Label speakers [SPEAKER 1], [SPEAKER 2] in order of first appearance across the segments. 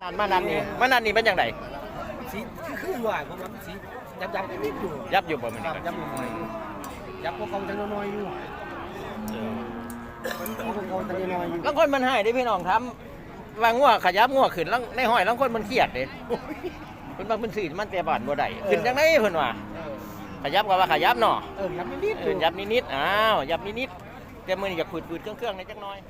[SPEAKER 1] มานันนี่เป็นยังไง
[SPEAKER 2] สีคือว่าผมว่าสียับนิดอยู่
[SPEAKER 1] ยับอยู่บ่มันนี่
[SPEAKER 2] ยับอยู่หน่อยยับพวกเขาจะน้อยอยู่มันพวกเขาจะน้อยอยู่
[SPEAKER 1] แล้วคนมันให้ได้พี่น้องทำวางงัวขยับงัวขึ้นแล้วในห้อยแล้วคนมันเครียดเด้เพิ่นบางเพิ่นสื่อมันแต่บ้านบ่ได้ขึ้นจังได๋เพิ่นว่าขยับก็ว่าขยับเนาะ
[SPEAKER 2] ยับนิด
[SPEAKER 1] ยับนิดอ้าวยับนิดแต่มื้อนี้อยากฝืดๆเครื่องๆในจักหน่อย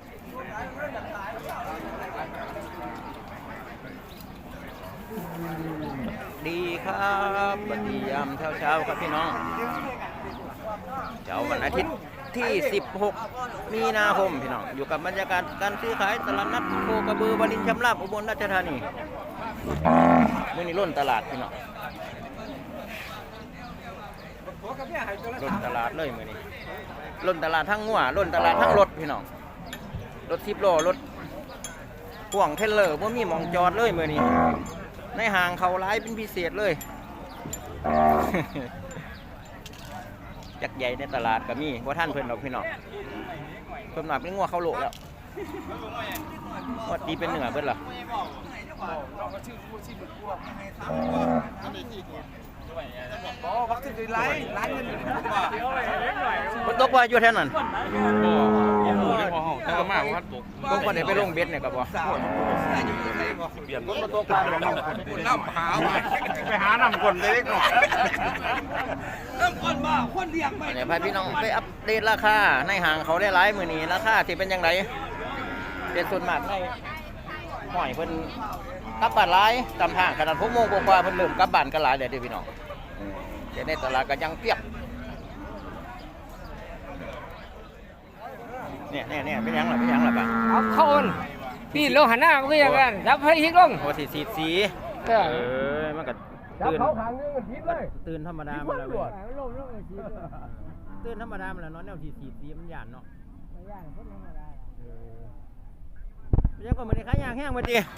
[SPEAKER 1] ดีครับสวัสดียามเช้าครับพี่น้องเช้าวันอาทิตย์ที่16มีนาคมพี่น้องอยู่กับบรรยากาศการซื้อขายตลาดนัดโคกระบือวารินชำราบอุบลราชธานีมื้อนี้ล้นตลาดพี่น้องล้นตลาดเลยมื้อนี้ล้นตลาดทั้งงัวล้นตลาดทั้งรถพี่น้องรถ10 ล้อรถพ่วงเทรลเลอร์บ่มีหม่องจอดเลยมื้อนี้ในห้างเขาร้ายเป็นพิเศษเลยจักใหญ่ในตลาดก็มีว่าท่านเพิ่นดอกพี่น้องเพิ่นมาเป็นงัวเขาโลแล้วว่าตีเป็นเหนือเพิ่นล่ะมันตกว่าอยู่แท่นั้นก็มากว่าตกต้องคนไหนไปลงเบ็ดเนี่ยก็บ่เปลี่ยนคนมาตกปลาน้ำหาไปหาน้ำคนเล็กหน่อยน้ำคนบ้าคนเลี้ยงไปเนี่ยพี่น้องไปอัปเดตราคาในห้างเขาได้หลายมื้อนี้ราคาที่เป็นยังไงเป็นส่วนมากในห้อยเพิ่นกลับบ้านหลายตามทางขนาด6 โมงกว่าเพิ่นเริ่มกลับบ้านกันหลายแล้วเด้อพี่น้องแต่ในตลาดก็ยังเปียกเนี่ยเป็นยังล่ะป่ะ
[SPEAKER 3] เอาเข้าอนปีนลงหันหน้าก็ยังกันจับให้ฮิกลง
[SPEAKER 1] โอ้สีมันก็ตื่นธรรมดามันแล้วตื่นธรรมดามันแล้วเนาะแนวสีมันหยาดเนาะยังก็มันได้ขายยากแห้งมาดิ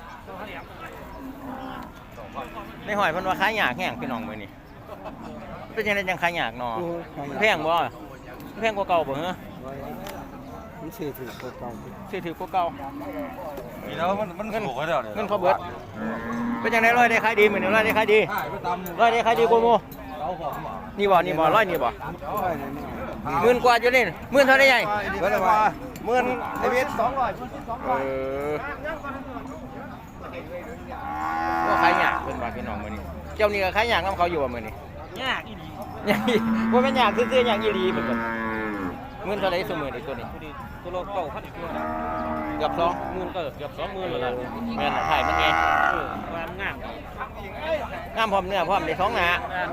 [SPEAKER 1] ในหอยมันว่าขายยากแห้งพี่น้องมื้อนี้เป็นยังไงยังขายยากเนาะแพงบ่แพงกว่าเก่าบ่เหรอ
[SPEAKER 2] มันซื้อถือกว่าเก่า
[SPEAKER 4] มีแล้วมันเงินถูกแล้วเนี่ย
[SPEAKER 1] เงินเขาเบิดเป็นยังไงร้อยได้ขายดีเหมือนร้อยได้ขายดีกูโมนี่บ่ร้อยนี่บ่10,000 กว่าอยู่นี่10,000เท่าได้ใหญ่
[SPEAKER 4] เบิดว่า10,000ไอ้เวท
[SPEAKER 1] ก็ขายยากเพิ่นว่าพี่น้องมื้อนี้เจ้านี่ก็ขายยากนำเขาอยู่ว่ามื้อนี้
[SPEAKER 3] ยากอีหลี
[SPEAKER 1] บ่แม่นยากซื่อๆยากอีหลีเพิ่นก็10,000เท่าใดซุมื้อนี้ตัวนี้
[SPEAKER 3] ตัวละ9,000ตัว
[SPEAKER 1] เกือบ20,000ก็เกือบ20,000แล้วล่ะแม่นถ่ายมันไง
[SPEAKER 3] ความงาม
[SPEAKER 1] พร้อมเนื้อพร้อมได้2หน้า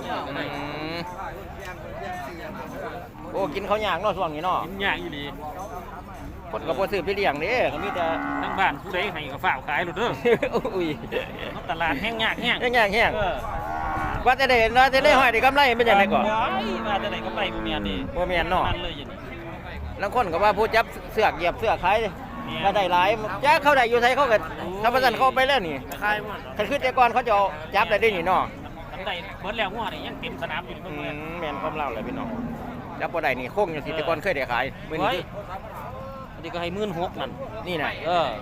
[SPEAKER 1] โอ้กินเขายากเนาะช่วงนี้เนาะ
[SPEAKER 3] กินยากอีหลี
[SPEAKER 1] คนก็บ่ซื้อไปเลี้ยงเด้ก็มีแต่
[SPEAKER 3] ทั้งบ้านผู้ใดให้ก็ฝากขายโลดเด้อ
[SPEAKER 1] อุ้ย
[SPEAKER 3] ตลาดแห้งยากแห้ง
[SPEAKER 1] ว่าจะได้ห้อยได้กำไรเป็นจังได๋ก่อน
[SPEAKER 3] ว่าจะได้กำไรบ่แม่นนี่
[SPEAKER 1] บ่แม่นเนาะ
[SPEAKER 3] มันเลยอย่างนี้
[SPEAKER 1] บางคนก็ว่าผู้จับเสือกเหยียบเสือกขายก็ได้หลายจ้าเขาได้อยู่ไทยเขาก็ถ้าประสันเขาไปแล้วนี่
[SPEAKER 3] ขายหมด
[SPEAKER 1] คันคือแต่ก่อนเขาจะจับได้นี่เนาะ
[SPEAKER 3] ได้เบิดแล้วงัวนี่ยังเต็มสนามอยู่เพิ่น
[SPEAKER 1] แม่นความเล่าเลยพี่น้องจับบ่ได้นี่โค้งอยู่สิแต่ก่อนเคยได้ขายมื้อนี้
[SPEAKER 3] อันนี้ก็ให้16,000นั่น
[SPEAKER 1] นี่น่ะ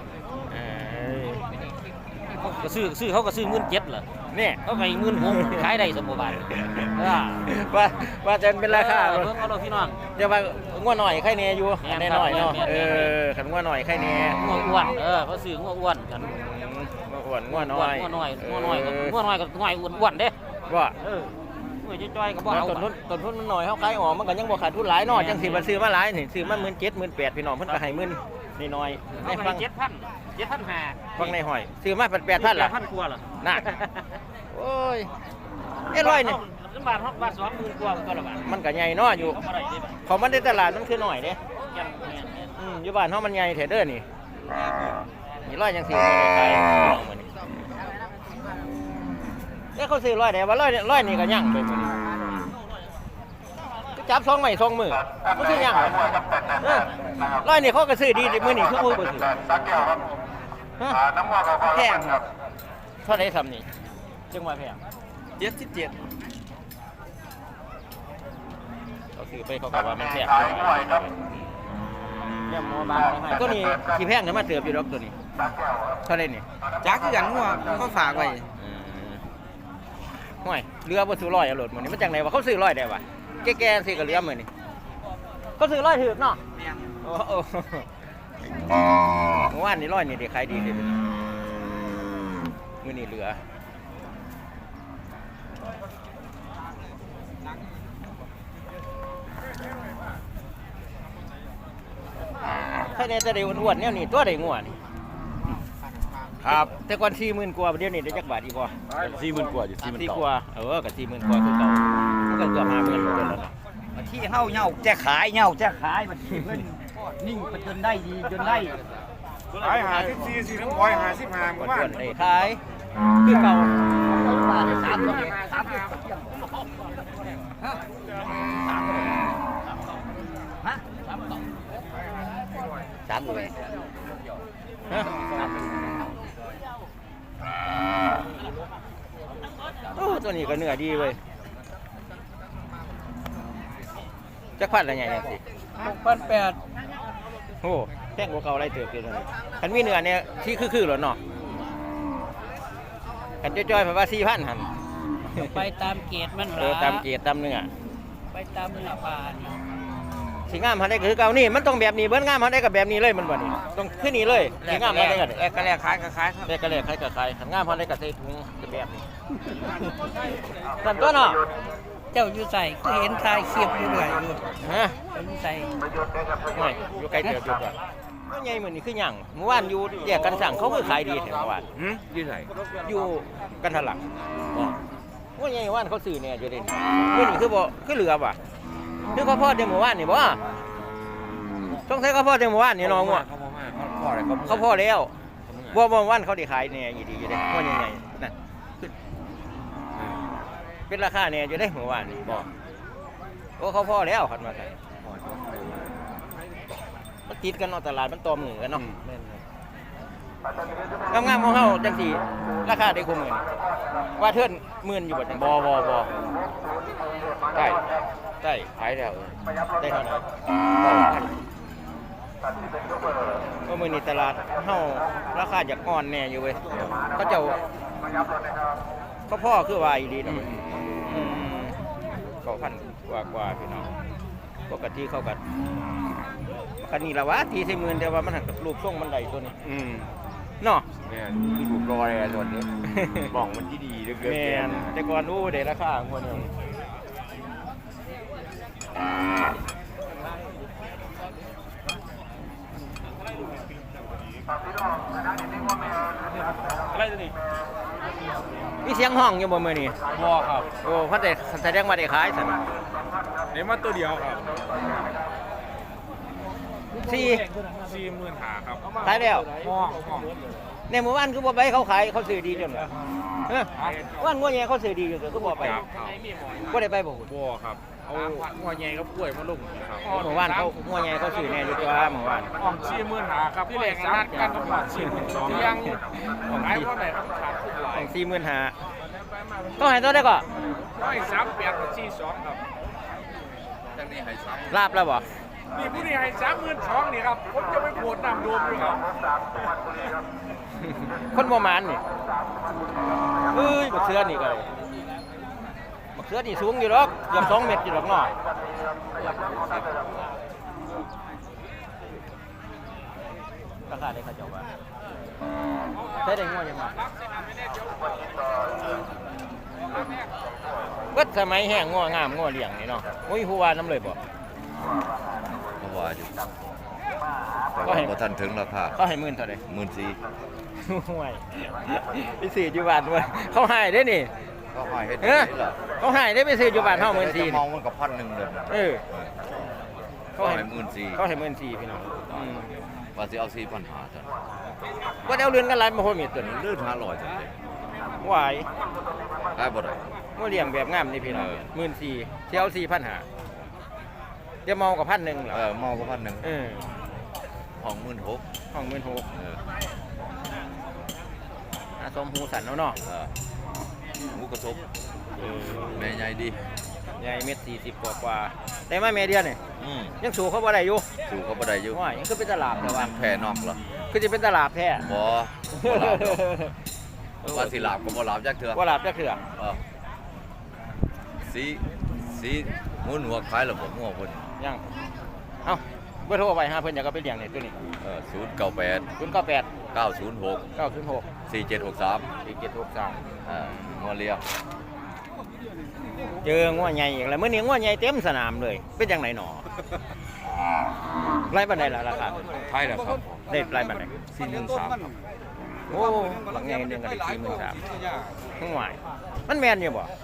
[SPEAKER 3] ก็ซื้อเขาก็ซื้อ17,000เหรอ
[SPEAKER 1] นี่
[SPEAKER 3] เขาให้16,000ขายได้สมบูรณ์
[SPEAKER 1] ว่าจะเป็นราคา
[SPEAKER 3] เบิ่งเอาพี่น้อง
[SPEAKER 1] จะว่างัวหน่อยไข่แน่อยู่แน่น้อยเนาะคันงัวหน่อยไข่แน่
[SPEAKER 3] งัวอ้วนเขาซื้องัวอ้วนกัน
[SPEAKER 1] งัวน้อย
[SPEAKER 3] ก็อ้วนเด้
[SPEAKER 1] ว่า
[SPEAKER 3] จ้อยๆก็บ่เอา
[SPEAKER 1] ต้นทุนมันน้อยเฮาขายออกมันก็ยังบ่ขาดทุนหลายเนาะจังสิบ่ซื้อมาหลายนี่ซื้อมา17,000 18,000พี่น้องเพิ่นก็ให้10,000นี่น้อย
[SPEAKER 3] ในฟัง7,500
[SPEAKER 1] ฟังในห้อยซื้อมา8,000ล่ะ
[SPEAKER 3] 8,000 กว่าล่ะ
[SPEAKER 1] น่ะโอ้ยร้อยนี่
[SPEAKER 3] บาท20,000 กว่าก็ละบาท
[SPEAKER 1] มันก็ใหญ่เนาะอยู่ของมันในตลาดมันคือน้อยเด้อยู่บ้านเฮามันใหญ่แท้เด้อนี่ร้อยจังซี่ขายมื้อนี้แล้วเขาซื้อร้อยได้ว่าร้อยนี่ก็ยังไปมื้อนี้จับ2ไม้2มือมันคือยังร้อยนี่เขาก็ซื้อดีมื้อนี้คือบ่ซื้อแพงเท่าไหร่ซ้ำนี่จังว่าแพง
[SPEAKER 2] 77
[SPEAKER 1] เขาซื้อไปเขาก็ว่ามันแพงเนี่ยหมอบางก็นี่ที่แพงเนี่ยมาเติบอยู่ดอกตัวนี้
[SPEAKER 3] เท่าไรนี่
[SPEAKER 1] จักคือกันงัวเขาฝากไว้
[SPEAKER 3] ห่วยเรือบ่ซื้อร้อยเอาโหลดมื้อนี้มันจังไดวะเขาซื้อร้อยได้วะแก่ๆสิก็เรือมื้อนี้เขาซื้อร้อยถูกเนาะ
[SPEAKER 1] แม่น
[SPEAKER 3] โอ้โหเมื่อวานนี้ร้อยนี่ได้ขายดีเลยมื้อนี้เหลือใครได้แต่ได้อ้วนๆแนวนี้ตัวได้งัวนี่
[SPEAKER 4] ครับ
[SPEAKER 3] แต่ก่อน40,000กว่าเดี๋ยวนี้ได้จักบาทอีกบ่
[SPEAKER 4] 40,000กว่าอยู่40,000
[SPEAKER 3] 4
[SPEAKER 4] เก่าก
[SPEAKER 3] ว่าก็40,000กว่าคือเก่ามันก็เกือบ50,000อยู่แล้วเนาะ
[SPEAKER 1] ที่เฮาเหย้าจะขายเหย้าจะขายมันที่เพิ่นนิ่งไปจนได้ดีจนได้
[SPEAKER 4] ขาย54สิน้ำอ้อย55
[SPEAKER 3] ก่อน
[SPEAKER 4] ว่า
[SPEAKER 3] ส่วนได้ขายคือเก่า
[SPEAKER 1] บาทได้3ตัว3ตัวฮะ
[SPEAKER 3] 3เลยฮะโอ้ตัวนี้ก็เนื้อดีเว้ยจักพันละใหญ่จังสิ
[SPEAKER 2] 6,800
[SPEAKER 3] โอ้แพงกว่าเก่าไรเติบอยู่เลยคันมีเนื้อเนี่ยที่คือๆหรอเนาะคันจ้อยๆเพราะว่า4,000หั่น
[SPEAKER 2] ไปตามเกรดมัน
[SPEAKER 3] ตามเกียรติตามเนื้อ
[SPEAKER 2] ไปตามเนื้อปลานี่
[SPEAKER 3] สิงามหันได้ก็คือเก่านี่มันต้องแบบนี้เบิ้งามหันได้กับแบบนี้เลยมันบ่นี่ต้องขึ้นนี่เลยสิงามหันได้ก็
[SPEAKER 1] แลกก็แลกขายก็ขายครับ
[SPEAKER 3] ได้ก็เลยใครก็ใครขันงามหันได้ก็ใส่ถุงจะแบบนี้นั่นตัวเนาะ
[SPEAKER 2] เจ้าอยู่ใส่ก็เห็นทายเขียบอยู่เรื่อยอยู่
[SPEAKER 3] ฮะ
[SPEAKER 2] เจ้าอยู่ใส่
[SPEAKER 3] ไม่อยู่ไกลเติบอยู่ก่อนก็ใหญ่เหมือนนี่คือหยังเมื่อวานอยู่แยกกันสั่งเขาคือขายดีแถวเมื่อวาน
[SPEAKER 4] อยู่ไหน
[SPEAKER 3] อยู่กันทะลักว่าใหญ่ว่านเขาซื้อเนี่ยอยู่เด่นเมื่อนี่คือบ่คือเหลือว่ะคือเขาพอดเดี๋ยวเมื่อวานนี่บ่ต้องใช้เขาพอดเดี๋ยวเมื่อวานนี่น้องว่ะ
[SPEAKER 4] เขาพออะไร
[SPEAKER 3] เขาพอแล้วบ่วันเขาได้ขายเนี่ยอยู่ดีอยู่เด้ว่าใหญ่ๆนั่นคือเป็นราคาเนี่ยอยู่ได้เมื่อวานนี่บ่โอ้เขาพอแล้วคันว่าซั่นมันติดกันเนาะตลาดมันตอมหนึ่งกันเนาะงามๆของเฮาจังซี่ราคาได้คงหมื่นว่าเทิร์นหมื่นอยู่บ่จังบ่ได้ได้
[SPEAKER 4] ขายแล้ว
[SPEAKER 3] ได้เท่าไหร่ก็มื้อนี้ตลาดเฮาราคาจากอ่อนแน่อยู่เว้ยเขาเจ้าเขาพ่อคือว่าอีหลีเนาะ9,000กว่าพี่น้องปกติเขาก็คันนี้ละวะทีใส่หมื่นแต่ว่ามันหักกับรูปทรงมันได้ตัวนี้เนาะ
[SPEAKER 4] เนี่ยที่ถูกรออะไรส่วนนี้บ้องมันที่ดีเหลือเกิน
[SPEAKER 3] แม่นแต่ก่อนอู้ได้ราคางวดนึงมีเสียงห้องอยู่บ่มื้อนี้
[SPEAKER 4] บ่ครับ
[SPEAKER 3] โอ้เพิ่นได้แสดงว่าได้ขายซั่น
[SPEAKER 4] เดี๋ยวมาตัวเดียวครับ
[SPEAKER 3] 40,000
[SPEAKER 4] หาครับ
[SPEAKER 3] ขายแล้ว
[SPEAKER 4] ห้อง
[SPEAKER 3] ในหมู่บ้านคือบ่ไปเขาขายเขาซื้อดีจังเลยว่านงัวแย่เขาซื้อดีจังเลยคือบ่ไปบ่ได้ไปบ่หุ่น
[SPEAKER 4] บ่ครับเอาหัวใหญ่กับกล้วยมาลงครับ
[SPEAKER 3] หมู่บ้านเขางัวแย่เขาซื้อแน่อยู่ตัวหมู่บ้าน
[SPEAKER 4] ห้อง40,000หาครับที่แรกนัดกันกับ42,000ที่ยังขายเท่าไหร่ครับขาดทุนหลาย
[SPEAKER 3] 45,000ต้องให้ตัวได้ก่อน
[SPEAKER 4] ร้อย38กับ42ครับจังนี้ให้3
[SPEAKER 3] ลาบแล้วบ่
[SPEAKER 4] นี่ผู้นี้ให้32,000นี่ครับผมจะไปโผล่น้ำโดมอยู่ครับ
[SPEAKER 3] คนบ่มานนี่เอ้ยบักเสือนี่ก็เลยบักเสือนี่สูงอยู่ดอกเกือบ2 เมตรอยู่ดอกเนาะราคาได้เขาเจ้าว่าใช้ได้งัวยังไงเบิดสมัยแห้งงัวงามงัวเลี้ยงนี่เนาะโอ้ยฮู้ว่าน้ำเลยบ่
[SPEAKER 5] เขาว่าอยู่
[SPEAKER 3] ก็ให้
[SPEAKER 5] บ่ทันถึงราคา
[SPEAKER 3] เขาให้หมื่นเท่าใด
[SPEAKER 5] 14,000
[SPEAKER 3] ห่วยไปซื้ออยู่บ้านเว้ยเขาให้ได้นี่
[SPEAKER 5] ก็ให้เฮ็ด
[SPEAKER 3] เอ้
[SPEAKER 5] ได้ล่ะ
[SPEAKER 3] เขาให้ได้ไปซื้ออยู่บ้านเฮา14,000
[SPEAKER 5] ม
[SPEAKER 3] นี่
[SPEAKER 5] องมันก็1,000เด้อ
[SPEAKER 3] เออ
[SPEAKER 5] เขาให้14,000
[SPEAKER 3] เขาให้14,000พี่น้อง
[SPEAKER 5] ว่าสิเอา4,500ซั่น
[SPEAKER 3] ก็ได้เอาเรือนกันหลายมาโหมีตัวนี้
[SPEAKER 5] ลื่น500ซั่นเด้
[SPEAKER 3] หวาย
[SPEAKER 5] ขายบ่ได้
[SPEAKER 3] บ่เลี้ยงแบบงามนี่พี่น้อง 14,000สิเอา4,500เดี๋ยวเมากับ1,000เหรอ
[SPEAKER 5] เมาก็1,000
[SPEAKER 3] เออ
[SPEAKER 5] ห้อง16,000
[SPEAKER 3] ห้อง16,000สมหูสันเนาะ
[SPEAKER 5] หมูกระทบแม่ใหญ่ดี
[SPEAKER 3] ใหญ่เม็ด40กว่าแต่มาแม่เดียวนี่
[SPEAKER 5] อืม
[SPEAKER 3] ยังสู้เขาบ่ได้อยู่
[SPEAKER 5] สู้เขาบ่ได้อยู่
[SPEAKER 3] ว่ายังคือเป็นตลาดแต่ว่า
[SPEAKER 5] แพ้นอกเหรอ
[SPEAKER 3] คือจะเป็นตลาดแท้
[SPEAKER 5] บ่ว่าสิหลาบก็บ่หลาบจักเทื่อ
[SPEAKER 3] ว่าหลาบจักเถื่อ
[SPEAKER 5] สีงูหัวคล้ายระบบงัวเพิ่น
[SPEAKER 3] ยังเอ้าเบอร์โทรไปหาเพิ่นอยากเอาไปเลี้ยงนี่ตัวนี้
[SPEAKER 5] 098
[SPEAKER 3] 098
[SPEAKER 5] 906
[SPEAKER 3] 906
[SPEAKER 5] 4763
[SPEAKER 3] 4763
[SPEAKER 5] งัวเลี้ยง
[SPEAKER 3] เจองัวใหญ่อีกแล้วมื้อนี้งัวใหญ่เต็มสนามเลยเป็นจังไดหนอไล่บันไดล่ะราคา
[SPEAKER 5] ไทยแล้วครับ
[SPEAKER 3] ได้ไล่บันได
[SPEAKER 5] 43ครับ
[SPEAKER 3] โอ้หลังใหญ่เดือนก็ได้43ทั้งหวายมันแม่นอยู่บ่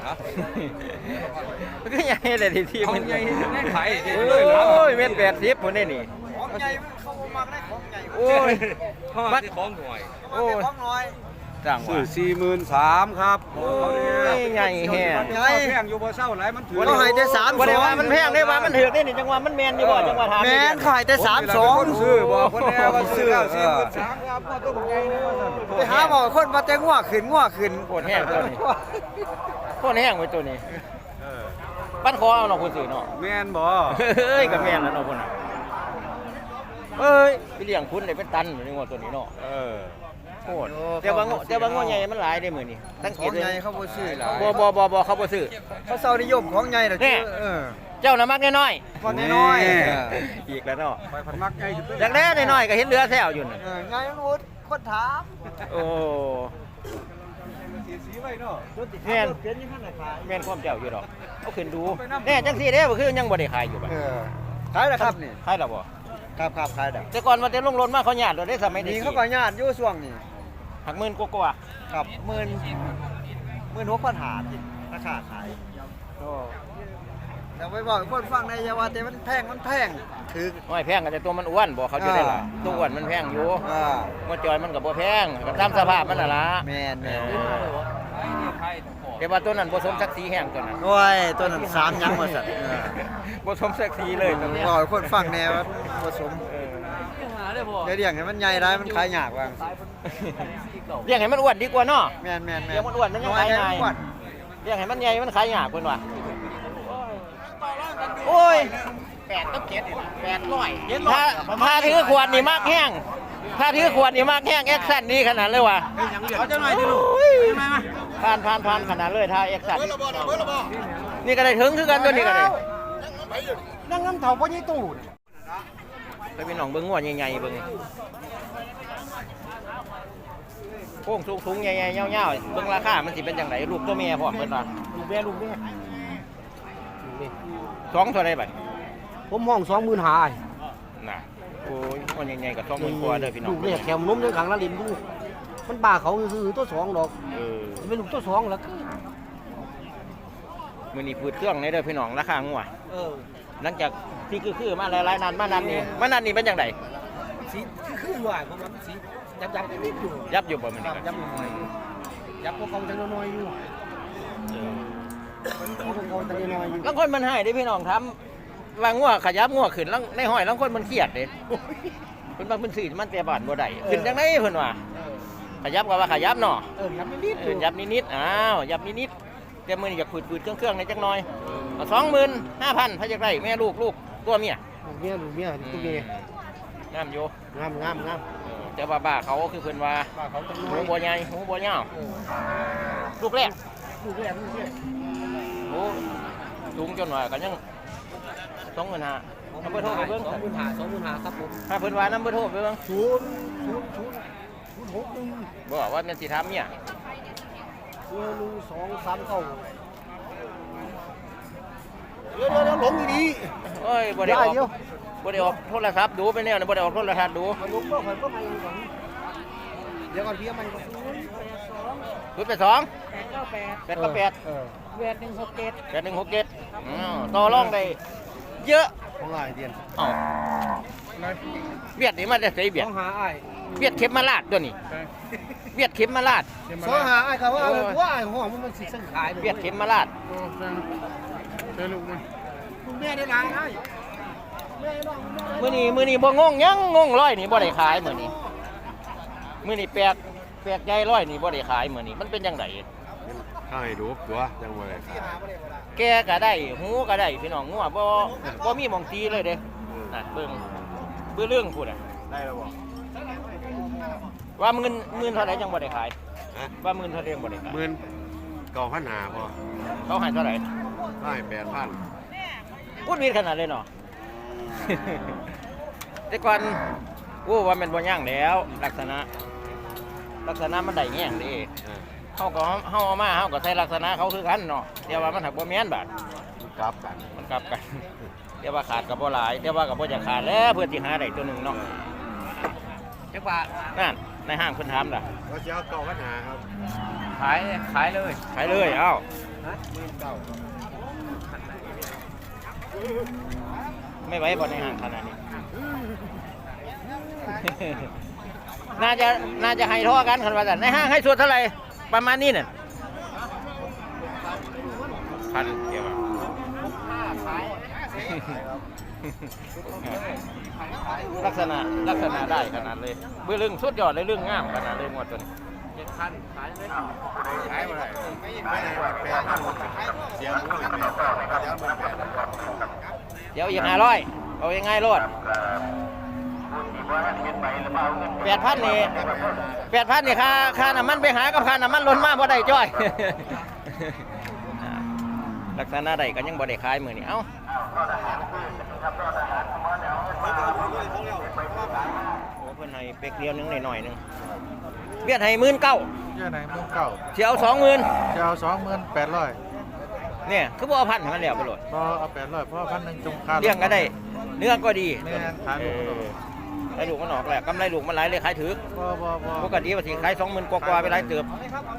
[SPEAKER 3] มันก็ใหญ่เลยที่มันใหญ่ได้ขายโอ้ยเม็ด80พุ่นได้นี่ของใหญ่เขาบ่มักได้ของใหญ่โอ้ยมักของหน่อยโอ้ยของน้อยจังว่า
[SPEAKER 1] ซื้อ43,000ครับ
[SPEAKER 3] โอ้ยใหญ่แฮะ
[SPEAKER 1] แพงอยู่บ่เศร้าหลายมันถือ
[SPEAKER 2] เขาให้แต่3
[SPEAKER 3] บ่ได้ว่ามันแพงได้ว่ามันถูกได้นี่จังว่ามันแม่นอยู่บ่จังว่าถาม
[SPEAKER 2] แม่นเขาให้แต่3-2
[SPEAKER 1] ซื้อบ่คนแน่ว่าซื้อแล้ว43,000ครับบ่ต้องใหญ่เลยว่าซั่น
[SPEAKER 2] ไปหาหมอคนมาแต่งัวขึ้น
[SPEAKER 3] โคตรแห้งตัวนี้โคตรแห้งไว้ตัวนี้ปั้นคอเอาเนาะคนซื้อเนาะ
[SPEAKER 1] แม่นบ่
[SPEAKER 3] เอ้ยก็แม่นแล้วเนาะคนน่ะเอ้ยไปเลี้ยงคุณได้เป็นตันอยู่ในงัวตัวนี้เนาะโคตรแต่ว่างัวใหญ่มันหลายได้มื้อนี้สังเก
[SPEAKER 2] ขอ
[SPEAKER 3] ต
[SPEAKER 2] ง
[SPEAKER 3] เลย
[SPEAKER 2] ใหญ่เขาบ่ซื้อ
[SPEAKER 3] บ่เขาบ่ซื้อ
[SPEAKER 2] เขาเซานิยมของใหญ่น่ะคือ
[SPEAKER 3] เจ้าน่ะมักน้อย
[SPEAKER 2] พอน้อย
[SPEAKER 3] ๆอีกแล้วเนาะ
[SPEAKER 1] ไปพันมักใหญ่ขึ้นไป
[SPEAKER 3] จากแรกน้อยๆก็เห็นเรือแซวอยู่น่ะ
[SPEAKER 2] ใหญ่มันวุฒคนถาม
[SPEAKER 3] โอ้
[SPEAKER 1] สีไว้เนาะ
[SPEAKER 3] แม่นแม่นความเจ้าอยู่ดอกเอาขึ้นดูแน่จังซี่เด้บ่คือยังบ่ได้ขายอยู่บัด
[SPEAKER 2] ขายแล้วครับนี่
[SPEAKER 3] ขายแล้วบ่
[SPEAKER 2] ครับขายแล้ว
[SPEAKER 3] แต่ก่อนว่าแต่ลงรถมาเขาหยาดเราได้สมัย
[SPEAKER 2] นี่
[SPEAKER 3] นี้
[SPEAKER 2] เขาก็ญาติอยู่ช่วงนี้
[SPEAKER 3] หักหมื่นกว่า
[SPEAKER 2] ครับ16,000หาที่ราคาขายแต่ไปบอกให้คนฟังในอยาว่าแต่มันแพงถือ
[SPEAKER 3] ๆน้อยแพงก็แต่ตัวมันอ้วนบ่เขาจะได้ล่ะตัวอ้วนมันแพงอยู่บ่จอยมันก็บ่แพงก็ตามสภาพมันน่ะล่ะ
[SPEAKER 2] แม่น
[SPEAKER 3] แต่ว่าตัวนั้นบ่สมศักดิ์ศรีแห้งตัวนั้น
[SPEAKER 2] โอ้ยตัวนั้น3ยังว่าซั่น
[SPEAKER 3] บ่สมศักดิ์ศรีเลยตัวนี้
[SPEAKER 2] บอกให้คนฟังแน่ว่าผสมเดี๋ยวให้มันใหญ่ได้มันขายยากว่า
[SPEAKER 3] เลี้ยงให้มันอ้วนดีกว่าเนาะ
[SPEAKER 2] แม่น
[SPEAKER 3] เลี้ยงมันอ้วนมันยังขายง่าย
[SPEAKER 2] อ้วน
[SPEAKER 3] เลี้ยงให้มันใหญ่มันขายยากเพิ่นว่าโอ้ย8ต้อง7 800ถ้าถือขวดนี่มากแห้งถ้าถือขวดนี่มากแห้งแอคชั่นดีขนาดเลยว่ะ
[SPEAKER 1] เอาจังหน่อยดิลูก
[SPEAKER 3] ผ่านขนาดเลยถ้าแอคชั่นนี่ก็ได้ถึงคือกันตัวนี้ก็ได้
[SPEAKER 2] นั่งน้ำเถาบ่ยี่ตู้
[SPEAKER 3] ไปเป็นหนองเบิ้งงัวใหญ่ๆเบิ้งโค้งสูงๆใหญ่ๆยาวๆเบิ้งราคามันสิเป็นจังไดลูกตัวแม่พร้อมเพิ่นว่าลูกแม่สองเท่าไรบัด
[SPEAKER 2] ผมห้อง20,000หา
[SPEAKER 3] น่ะโอ้ยงัวใหญ่ๆก็20,000กว่าเด้อพี่น้อง
[SPEAKER 2] ลูกเรียกแถมนมในขังละลินดูมันบ้าเขาคือตัว2ดอก
[SPEAKER 3] เออ
[SPEAKER 2] เป็นลูกตัว2แล้ว
[SPEAKER 3] มื้อนี้พืดเครื่องในเด้อพี่น้องราคางัว หลังจากที่คือมาหลายๆนานมานันนี่เป็นจังได
[SPEAKER 2] สีคือว่าผมว่าสียับนิดอยู่
[SPEAKER 3] ยับอยู่บ่มื้อนี้
[SPEAKER 2] ยับหน่อยยับพวกเขาจังน้อยอยู่พวกเขาจังน้อยอยู่
[SPEAKER 3] ลางคนมันให้เด้พี่น้องทำว่างัวขยับงัวขึ้นแล้วในห้อยลางคนมันเครียดเด้เพิ่นบางเพิ่นซื้อมันแต่บ้านบ่ได้ขึ้นจังได๋เพิ่นว่าขยับก็ว่าขยับเนาะ
[SPEAKER 2] ยับนิด
[SPEAKER 3] ยับนิดๆอ้าวยับนิดๆแต่มื้อนี้อยากฝืดๆเครื่องๆในจักหน่อยเอา25,000พะจักได้แม่ลูกตัวเมีย
[SPEAKER 2] ลูกเมียตัวเมีย
[SPEAKER 3] งามอยู่
[SPEAKER 2] งาม
[SPEAKER 3] แต่ว่าบ้าเขาคือเพิ่นว่า
[SPEAKER 2] เขาจังน้
[SPEAKER 3] หู
[SPEAKER 2] อย
[SPEAKER 3] บ่ใหญ่หูบ่ยาวลูกแรก
[SPEAKER 2] ลูกแรก
[SPEAKER 3] โอ้สูงจนว่าก็ยัง25,000นำเบอร์โทรไปเบิ่ง
[SPEAKER 2] 20,000ครับผม
[SPEAKER 3] ถ้าเพิ่นว่านำเบอร์โทรไปเบิ่ง
[SPEAKER 2] 0
[SPEAKER 3] บ่ว่าแม่นสิถามเมีย
[SPEAKER 2] 2 3เข้าเดี๋ยวหลงดี
[SPEAKER 3] โอ้ยบ่ได้ออกบ่ได้ออกโทรศัพท์ดูไปแนวนี่บ่ได้ออกโทรทัศน์ดู
[SPEAKER 2] ๆลงก็ค่อยไปก่อนเดี๋ยวก่อนพี่มันก็
[SPEAKER 3] 082 898 8167ต่อรองได้เยอะ
[SPEAKER 2] ของหลายเดือน
[SPEAKER 3] เอ้าเวียดนี่มันจะใส่เวียด
[SPEAKER 2] ต้องหาอ้าย
[SPEAKER 3] เวียดเข็มมาลาดตัวนี้เวียดเข็มมาลาด
[SPEAKER 2] สองหาอ้ายเขาว่าหัวอ้ายห้องมันสิสั่งขาย
[SPEAKER 3] เวียดเข็มมาลาด
[SPEAKER 2] ลูกแม่ได้หลายอ้าย
[SPEAKER 3] มื้อนี้บ่งงยังงงร้อยนี่บ่ได้ขายมื้อนี้แปลกใจร้อยนี่บ่ได้ขายมื้อนี้มันเป็นจังได
[SPEAKER 5] ให้ดูตัวจังบ่ได้
[SPEAKER 3] แกก็ได้หูก็ได้พี่น้องงัวบ่มีหม่องตีเลยเด้น่ะเบิ่งเรื่องพูดอ่ะได้แล้วบ่ว่าหมื่นเท่าไหร่จังบ่ได้ขายว่าหมื่นเท่าไหร่จังบ่ได้ขาย
[SPEAKER 5] หมื่นเก่าพันหาพอ
[SPEAKER 3] เขาให้เท่าไหร่
[SPEAKER 5] ได้8,000
[SPEAKER 3] พูดมีขนาดเลยเนาะ แต่ก่อนโอ้ว่ามันบ่ย่างแล้วลักษณะมันได้แง่งเดิเฮาเอามาเฮาก็ใช้ลักษณะเขาคือกันเนาะแต่ว่ามันหักบ่แม่นบาด
[SPEAKER 5] กลับกัน
[SPEAKER 3] มันกลับกัน แต่ว่าขาดก็บ่หลายแต่ว่าก็บ่จะขาดแล้วเพื่อสิหาได้ตัวหนึงเนาะจักว่านั่นในห้างเพิ่นถามล่ะ
[SPEAKER 5] ก็จะเอาเก่าพันหาครับ
[SPEAKER 1] ขายเลย
[SPEAKER 3] ขายเลยเอ้า ไม่ไหวบ่ในห้างขนาดนี้ น่าจะให้ท่อกันคันว่าซั่นในห้างให้ส่วนเท่าไหร่ประมาณนี้น่ะพันเกี่ยวลักษณะได้ขนาดเลยเบื้องลึงสุดยอดเลยเรื่องงามขนาดเลยหมดตัวนี้
[SPEAKER 1] 7,000ขายเลย
[SPEAKER 5] ขายบ่ได้ไม่ได้ว่า8,000เสียหมูเลย8,000เดี๋ยวมัน8,000
[SPEAKER 3] เดี๋ยวอีก500เอายังไงโลด8,000นี่ค่าน้ำมันไปหากับค่าน้ำมันล้นมาบ่ได้จ้อย ลักษณะใดก็ยังบ่ได้ขายมื้อนี้เอ้าโอ้เพิ่นให้เป็กเดียวนึงหน่อยๆนึงเบียดให้19,000
[SPEAKER 2] เจ้าไหนมึงเก่า
[SPEAKER 3] สิเอา20,000
[SPEAKER 2] จะเอา28,000
[SPEAKER 3] เนี่ยคือบ่เอาพันให้มันแล้วไปโลด
[SPEAKER 2] พอเอา800เพราะ1,000จงค่า
[SPEAKER 3] เลี้ยงก็ได้เนื้อก็ดี
[SPEAKER 2] แม่นขายลูกมันออก
[SPEAKER 3] ขายลูกมันออกแหละกำไรลูกมันหลายเลยขายถือ
[SPEAKER 2] บ่
[SPEAKER 3] ปกติว่าสิขาย20,000กว่าๆไปหลายเติบ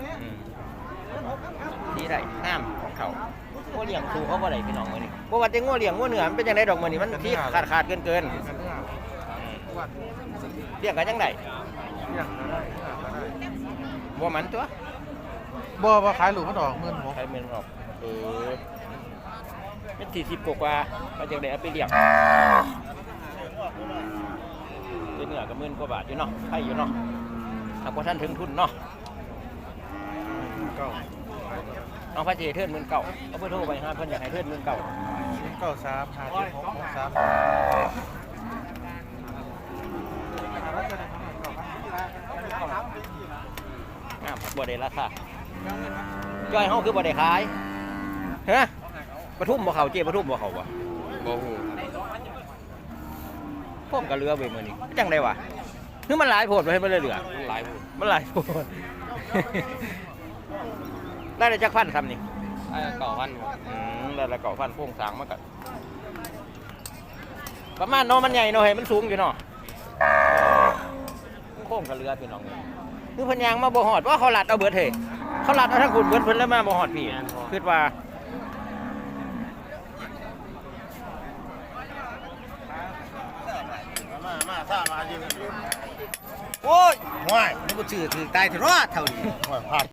[SPEAKER 3] ดีได้งามของเขางัวเลี้ยงสู่เขาบ่ได้พี่น้องมื้อนี้บ่ว่าแต่งัวเลี้ยงงัวเนื้อมันเป็นจังไดดอกมื้อนี้มันที่ขาดเกินเลี้ยงกันจังไดบ่มันตัว
[SPEAKER 2] บ่ขายลูกมันออก16,000
[SPEAKER 3] ใครแม่นออกเป็น40กว่าๆมาจังได๋เอาไปเลี้ยงเป็นเนื้อก็หมื่นกว่าบาทอยู่เนาะใครอยู่เนาะหากว่าท่านถึงทุนเนาะเอาพระเจ้าเทิด19,000เอาเบอร์โทรไปหาเพิ่นอยากให้เทิด19,000 งามบ่ได้ราคาจ้อยเฮาคือบ่ได้ขายฮะปทุมบ่เข้าเจ้ปทุมบ่เข้าบ่
[SPEAKER 5] บ่ฮู้
[SPEAKER 3] พวกก็เหลือไว้มื้อนี้จังได๋วะคือมันหลายโพดบ่ให้มันเลยเหลือ
[SPEAKER 5] หลายผู้
[SPEAKER 3] มันหลายโพด ได้จักพันซ้ำนี่
[SPEAKER 5] 9,000
[SPEAKER 3] ได้ละ9,000โครงสร้างมันก็ประมาณเนาะมันใหญ่เนาะให้มันสูงอยู่เนาะโค้งก็เหลือพี่น้องคือเพิ่นยางมาบ่ฮอดว่าเขาลัดเอาเบิดเฮ้เขาลัดเอาทั้งคุณเบิดเพิ่นแล้วมาบ่ฮอดพี่คิดว่า
[SPEAKER 5] มาถ้ามาอยู่
[SPEAKER 2] โอ้ยห่วยนี่บ่ชื่อถือตายถือรอดเท่านี้
[SPEAKER 5] ห่วยพลาด